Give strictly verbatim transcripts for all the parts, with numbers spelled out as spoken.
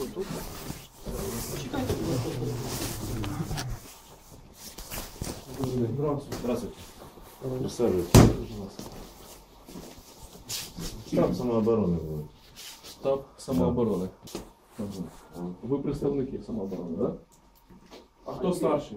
Що тут? Чекайте, будь ласка. Здравствуйте. Присаживайтесь. Штаб самооборони буде. Штаб самооборони. Ага. Ви представники самооборони, так? Да? А хто старший?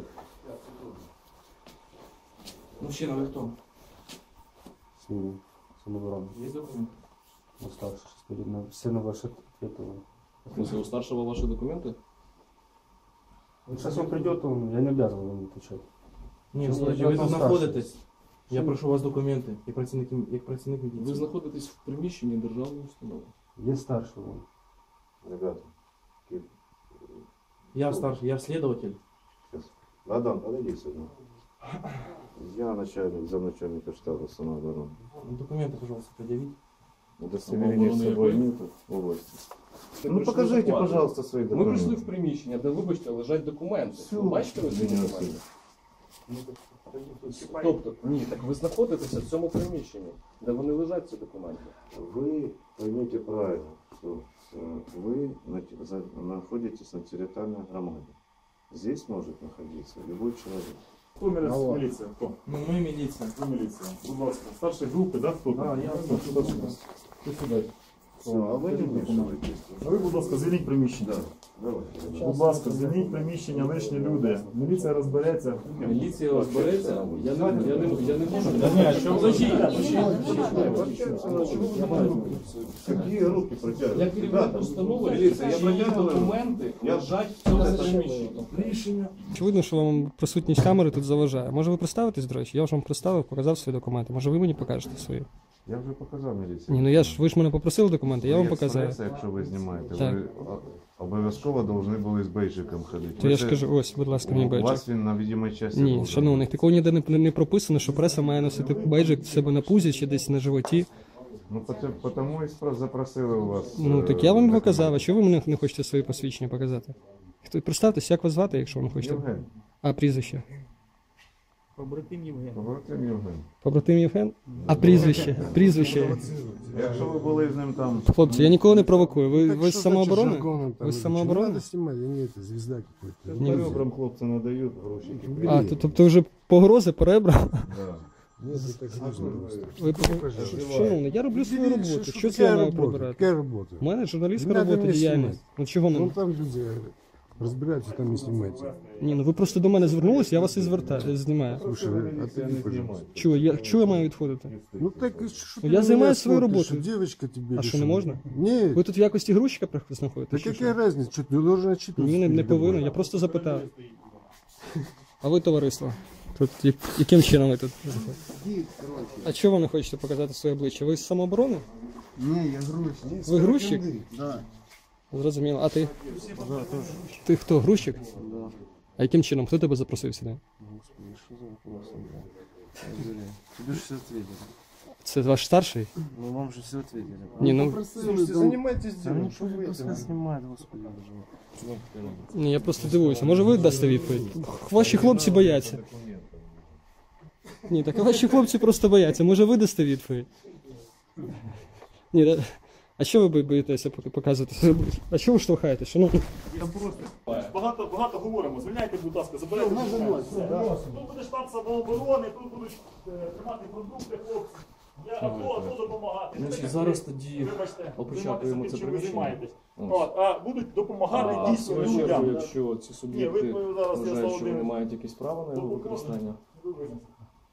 Мужчина, ви хто? Самообороны. Є документи? Уставший, что ли, на все на ваши ответы. В смысле, у старшего ваши документы? Сейчас он придет, он, я не обязан ему отвечать. Ні, Щас ви прийде тут старший. знаходитесь. Я Що? прошу у вас документи, як працівник, як працівник міліції. Ви знаходитесь в приміщенні державної установи. Есть старший он. Ребята. Я старший, я следователь. Сейчас. Ладан, подойди сюда. Я начальник, замначальника штаба самообороны. Документы, пожалуйста, предъявите. Удостоверение с собой нет в области. Ну покажите, пожалуйста, свои Ми документы. прийшли в приміщення, де, вибачте, лежать документи. Ви бачите ви ці документи? Тобто, ні, так ви знаходитеся в цьому приміщенні, де вони лежать, ці документи. Вы поймите правильно, что э, вы на те- за- находитесь на территориальной громаде. Здесь может находиться любой человек. Хто Алло. міліція? Хто? Ну, ми міліція. Хто міліція? Будь ласка. Старші групи, да? Хто? А, я Хто сюди? Ти сюди. Все, а вы не вмешиваетесь. А ви, будь ласка, звільніть приміщення. Да, давайте. Будь ласка, звільніть приміщення, лишні люди. Міліція розбереться. Міліція розбереться, я не, я не, я не можу. Ні, а що ви Какие руки Я протягивают? керівник установи, міліція, я чиї протягую. документи Я- лежать в цьому приміщенні. Рішення. Очевидно, що вам присутність камери тут заважає. Може ви представитесь, до речі? Я вже вам представив, показав свої документи. Може ви мені покажете свої? Я вже показав міліції. Ні, ну я ж, ви ж мене попросили документи, я вам Є показав. преса, якщо ви знімаєте, Так. ви о- обов'язково повинні були з бейджиком ходити. То Ви я ж це- кажу, ось, будь ласка, мені У бейджик. вас він на відомій часті. Ні, должен шановний, бути. такого ніде не, не прописано, що преса має носити бейджик в себе на пузі чи десь на животі. Ну, пот- тому і спро- запросили у вас. Ну е, так я вам документи. показав, а чого ви мене не хочете свої посвідчення показати? Хто, представтесь, як вас звати, якщо ви не хочете. Євген. А прізвище? Побратим Євген. Побратим Євген? А прізвище? Прізвище. Якщо ви були з ним там... Хлопці, я нікого не провокую. Ви, Так ви з что самооборони? значит жаргоном там Ви з идти? самооборони? Надо снимать, я не это, звезда какой-то. Ні. Ребрам хлопці надають гроші. А, то- тобто вже погрози по ребрам? Да. Нет, это так нужно просто. Ви, пожалуйста. шановний, я роблю свою Видите, роботу. что Що це я какая маю работа? прибирати? Какая работа? У мене журналістська Не надо робота, мене діяльність. знімати. Ну чого Ну не? там люди разбираются, там не снимайте. Ні, ну ви просто до мене звернулися, я вас і звертаю, знімаю. Слушай, отойди, пожалуйста. Чого, я, чого я маю відходити? Ну так, что Ну, ты я на занимаюсь меня своей смотришь, работой. что девочка тебе А что, решила? не можно? Нет, Ви тут в якості грузчика знаходитесь? да чи какая що? разница, что ты должен отчитываться. Ні, не, не перед повинен, тобой. я просто запитав. А ви, товариство? Тут я- яким чином ви тут? А чого ви не хочете показати своє обличчя? Ви з самооборони? Не, я грузчик. Ви грузчик? Да. Зрозуміло. А ти? Ти хто, грузчик? Да. А яким чином? Хто тебе запросив сюди? Господи, что за вопрос? Тебе же все ответили. Це ваш старший? Ну вам же все ответили. Ні, ну Слушайте, занимайтесь делом. Ну что вы это снимает, господи, ні, я просто дивуюся. Може ви дасте відповідь? Ваші хлопці бояться. Ні, так ваші хлопці просто бояться. Може ви дасте відповідь? Ні, да- а що ви бо- боїтеся поки показувати своє обличчя? А чого ви штовхаєте? Шановні? Багато, багато говоримо. Звільняйте, будь ласка, забирайте документи. Все. Тут буде штаб самооборони, тут будуть е, тримати продукти, хлопці. Я АТО, АТО допомагати. Значить, Ви зараз так, тоді вибачте, опечатуємо займайтеся це тим, чим ви приміщення. займаєтесь. Ось. От, а будуть допомагати А в дійсно свою чергу, людям. якщо ці Ні, суб'єкти ви, ви зараз, я вважають, що вони Володимир, мають якісь права на його Добре. використання, ви визнаєте.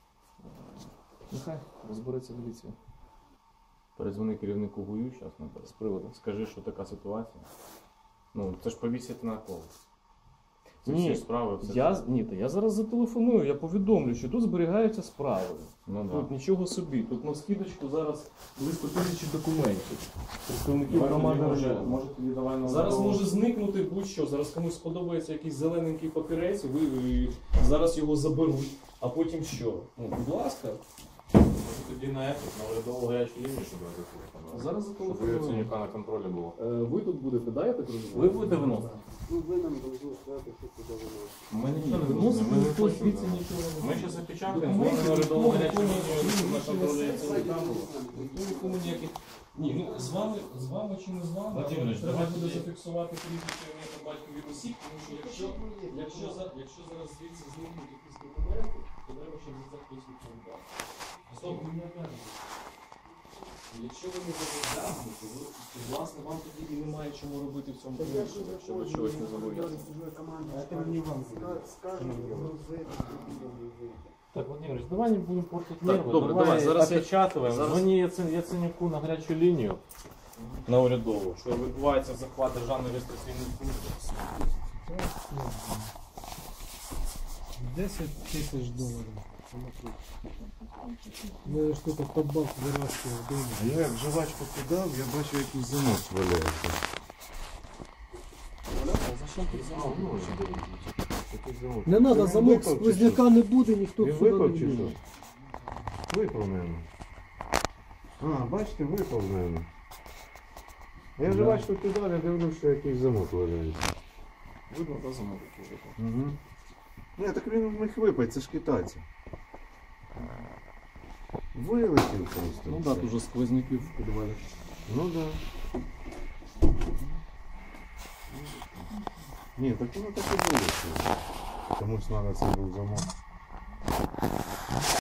нехай розбереться міліція. Передзвони керівнику ГУЮ зараз з приводу. Скажи, що така ситуація. Ну, це ж повісити на кого. Це Ні, всі справи. Все Я, це. ні, та я зараз зателефоную, я повідомлю, що тут зберігаються справи. Ну, да. Тут нічого собі. Тут на скидочку зараз близько тисячі документів. Представників Давай громади. тоді, може, району. може тоді давай на Зараз дорогу. може зникнути будь-що. Зараз комусь сподобається якийсь зелененький папірець, ви, ви зараз його заберуть, а потім що? Ну, будь ласка. Тоді на ефір, на урядову гарячу лінію, щоб я Зараз Щоб ви зателефонуємо. Яценюка на контролі було. Е, Ви тут будете, да, я так розумію? Ви будете виносити? Ну, ви нам должны сказати, що туди воно. Ми нічого не Виносити виносимо, ми не ніхто хочемо. звідси да. нічого не Ми виносить. зараз опечатаємо, Документи, ми наредову нікому, гарячу нікому, лінію на нікому, контролі нікому, Яценюка було. Ніхто нікому ніяких. Ні, ну з вами, з вами чи не з вами, але Владимирович, треба давайте буде тоді- зафіксувати прізвище ім'я та батькові осіб, тому що якщо, якщо, за, якщо зараз звідси зникнуть якісь документи, то треба, щоб за це хтось відповідав. Стоп. Якщо ви не зобов'язані, то ви, то, власне, вам тоді і немає чому робити в цьому приміщенні, якщо ви чогось не зобов'язані. Это не вам. Скажем, грузить, Так, Владимирович, давай не будемо портити Так, нерви. добре, давай, зараз я- опечатуємо. зараз- Дзвоні Яцен- Яценюку на гарячу лінію на урядову, що відбувається захват державної реєстраційної служби. десять тисяч доларів. Ну, що то под бак вирощує вдома. А я як жвачку кидав, я бачу якийсь замок валяється. Якийсь замок. Не Це треба, він замок випав чи сквозняка не буде, ніхто Він сюди випав не чи буде. що? Випав, мабуть. А, бачите, випав, мабуть. Я жвачку кидав, я дивлюся, що якийсь замок валяється. Видно, та замок який випав. Угу. Ні, так він в них випав, це ж китайці. Вилетів просто. Ну так, дуже сквозняків в підвалі. Ну да. Ні, так воно так і було. Комусь треба цей був замок.